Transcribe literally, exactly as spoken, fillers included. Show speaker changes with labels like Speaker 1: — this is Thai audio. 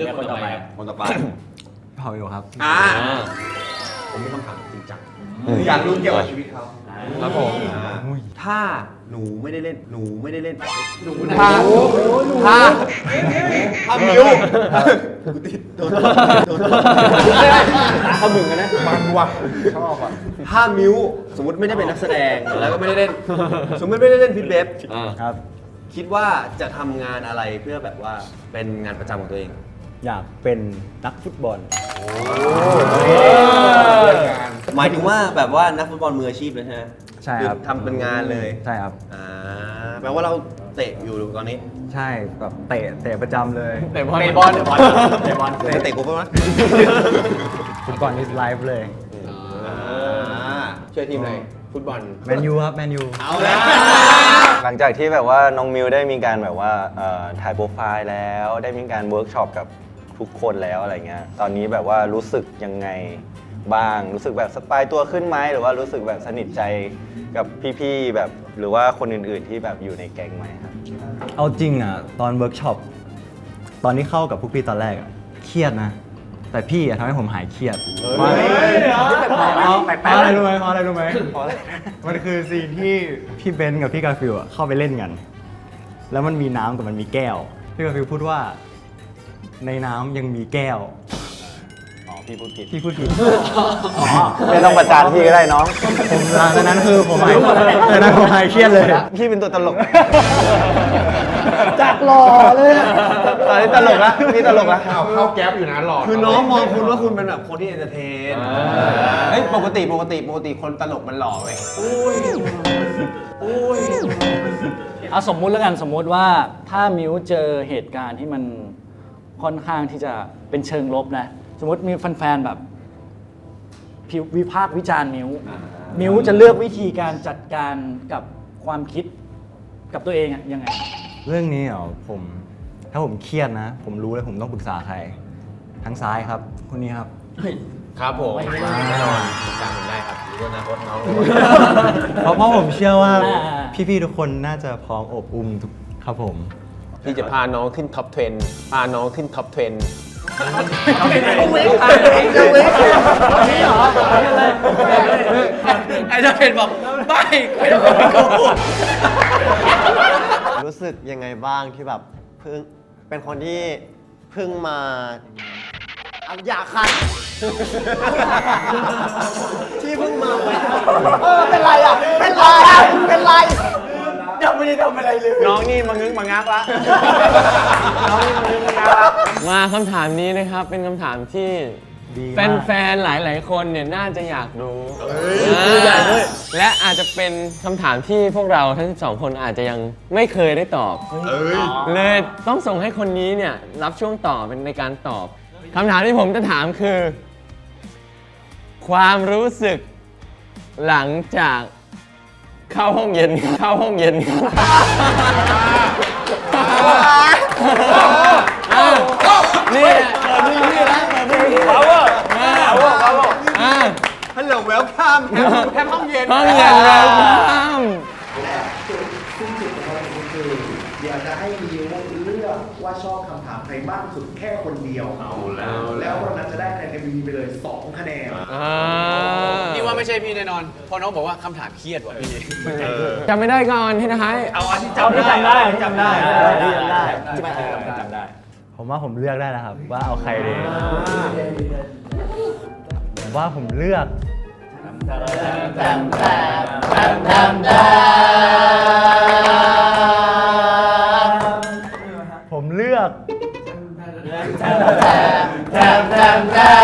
Speaker 1: ลือกคนต่อไปคนต่อไป
Speaker 2: เผาอยู่ครับ
Speaker 1: อ่าผมมีคำถามจริงจังอยากรู้เกี่ยวกับชีวิตเขาครับผมถ้าหนูไม่ได้เล่นหนูไม่ได้เล่นหนูถ้าถ้าถ้ามิวกูติดโดนโดนเขาบึงกันนะมันว่ะชอบอ่ะถ้ามิวสมมติไม่ได้เป็นนักแสดงแล้วก็ไม่ได้เล่นสมมติไม่ได้เล่นพิทเบฟ
Speaker 2: ครับ
Speaker 1: คิดว่าจะทำงานอะไรเพื่อแบบว่าเป็นงานประจำของตัวเอง
Speaker 2: อยากเป็นนักฟุตบอล
Speaker 1: หมายถึงว่าแบบว่านักฟุตบอลมืออาชีพเลยใช่ไหม
Speaker 2: ใช่ครับ
Speaker 1: ทำเป็นงานเลย
Speaker 2: ใช่ครับ
Speaker 1: อ่าแปลว่าเราเตะอยู่ตอนนี้
Speaker 2: ใช่แบบเตะเตะประจำเลย
Speaker 3: เตะบอลเตะบอลเตะบอลเตะบอล
Speaker 1: เตะเตะกูป่ะวะ
Speaker 2: ฟุตบอลนี่ไลฟ์เลย
Speaker 1: ช่วยทีมอะไรฟุตบอล
Speaker 2: แมนยูครับแมนยู
Speaker 1: เอาแล้ว
Speaker 4: หลังจากที่แบบว่าน้องมิวได้มีการแบบว่าเอ่อถ่ายโปรไฟล์แล้วได้มีการเวิร์กช็อปกับทุกคนแล้วอะไรเงี้ยตอนนี้แบบว่ารู้สึกยังไงบ้างรู้สึกแบบสบายตัวขึ้นไหมหรือว่ารู้สึกแบบสนิทใจกับพี่ๆแบบหรือว่าคนอื่นๆที่แบบอยู่ในแก๊งไหมครับ
Speaker 2: เอาจริงอ่ะตอนเวิร์กช็อปตอนที่เข้ากับพวกพี่ตอนแรกอ่ะเครียดนะ แต่พี่อ่ะทำให้ผมหายเครียดเพราะอะไรรู้ไหมเพราะอะไรรู้ไหมมันคือซีนที่พี่เบนซ์กับพี่กาฟิลอ่ะเข้าไปเล่นกัน แล้วมันมีน้ำกับมันมีแก้วพี่กาฟิลพูดว่าในน้ำยังมีแก้ว
Speaker 4: อ๋อพี่พูดผิด
Speaker 2: พี่พูดผิด
Speaker 4: ไม่ต้องประจานพี่ก็ได้น้อง
Speaker 2: ผมหลังจากนั้นคือผมหายจากนั้นผมหายเครียดเลย
Speaker 4: พี่เป็นตัวตลก
Speaker 2: จากหล่อเลย
Speaker 4: ตอนนี้ตลกละนี่ตลกละ
Speaker 3: เข้าแก๊ปอยู่นะหลอด
Speaker 1: คือน้องมองคุณว่าคุณเป็นแบบคนที่เอนเตอร์เทน
Speaker 3: เฮ้ยปกติปกติปกติคนตลกมันหล่อเว้ย
Speaker 5: เอาสมมุติแล้วกันสมมุติว่าถ้ามิวเจอเหตุการณ์ที่มันค่อนข้างที่จะเป็นเชิงลบนะ สมมติมีแฟนๆแบบวิพากษ์วิจารณ์มิวมิวจะเลือกวิธีการจัดการกับความคิดกับตัวเองอะยังไง
Speaker 2: เรื่องนี้เหรอผมถ้าผมเครียดนะ ผมรู้เลยผมต้องปรึกษาใครทางซ้ายครับคนนี้ครับ
Speaker 3: ครับผมแน่นอนจำผมได้ครับรู้อนาคตน้อง
Speaker 2: เพราะเพราะผมเชื่อว่า
Speaker 5: อ่า
Speaker 2: พี่ๆทุกคนน่าจะพร้อมอบอุ่มทุกครับผม
Speaker 3: พี่จะพาน้องขึ้นท็อปสิบพาน้องขึ้นท็อปสิบ
Speaker 5: ไอ้เจ้าเพนบอกไม่ไม่ต้องพูด
Speaker 6: รู้สึกยังไงบ้างที่แบบเพิ่งเป็นคนที่เพิ่งมาเอาอยากคัน ที่เพิ่งมาเออเป็นไรอ่ะเป็นไรอ่ะเป็นไรยังไม่ได้ทำอะไรเลย
Speaker 4: น้องนี่มางึกมางักละน้องนี่มางึกมางักละ
Speaker 7: มาคำถามนี้นะครับเป็นคำถามที่
Speaker 2: ดีมาก
Speaker 7: แฟนๆ หลายๆ คนเนี่ยน่าจะอยากรู้อ่าและอาจจะเป็นคำถามที่พวกเราทั้งสองคนอาจจะยังไม่เคยได้ตอบเลยต้องส่งให้คนนี้เนี่ยรับช่วงต่อเป็นในการตอบคำถามที่ผมจะถามคือ ความรู้สึกหลังจากเข้าห้องเย็นเข้าห้องเย็นนี่
Speaker 1: ฮัลโหลเวลคัมแค่ห้องเย็น
Speaker 7: ห้องเย็นแล้วครับ
Speaker 8: เดี๋ยวจะให้มิวเลือกว่าชอบคำถามใครมากสุดแค่คนเดียวเอาแล้วแล้วคนนั้นจะได้คะแนน เอ็ม วี พี ไปเลยสองคะแนน
Speaker 3: นี่ว่าไม่ใช่พี่แน่นอนเพราะน้องบอกว่าคำถามเครียดว่ะพี่
Speaker 7: จำไม่ได้ก่อนที่นะฮะ
Speaker 1: เอาอันที่
Speaker 5: เอาที่จำได้จำได้
Speaker 2: จำได้จำได้ ผมว่าผมเลือกได้นะครับ ว่าเอาใครดีผมว่าผมเลือกผมเลือก